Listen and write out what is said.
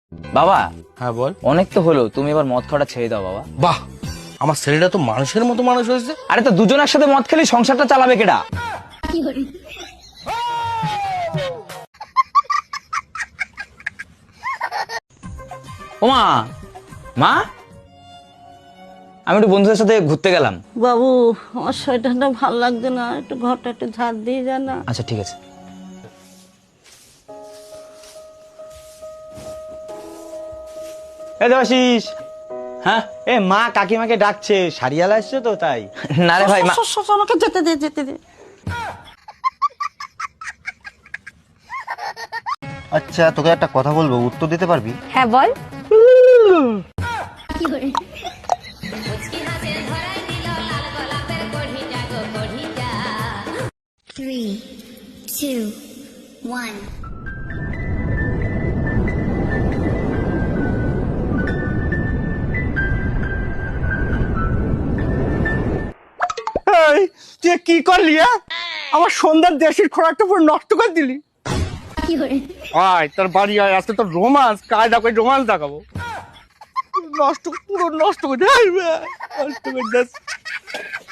বাবা হ্যাঁ বল। অনেক তো হলো, তুমি এবার মদ খাওয়াটা ছেড়ে দাও বাবা। বাহ, আমার ছেলেটা তো মানুষের মতো মানুষ হয়েছে। আরে তো দুজন একসাথে মদ খেলে সংসারটা চালাবে কেডা? ওমা, মা আমি একটু বন্ধুদের সাথে ঘুরতে গেলাম। বাবু, আমার শরীরটা ভালো লাগছে না, একটু ঘরটা একটু ঝাড় দিয়ে যা না। আচ্ছা ঠিক আছে। দেবাশিস। হ্যাঁ, এ মা কাকিমাকে ডাকছে, সারিয়ালা আসছে তো তাই। না রে ভাই, আমাকে যেতে দে, যেতে দে। আচ্ছা, তোকে একটা কথা বলবো, উত্তর দিতে পারবি? হ্যাঁ বল। Three, two, one. তুই কি করলি? আমার সন্ধ্যার দেশের খোরাকটা পুরো নষ্ট করে দিলি। আয় তোর বাড়ি আয়, আজকে তোর রোমান্স, কায়দা করে রোমান্স দেখাবো। নষ্ট পুরো নষ্ট করে দিস।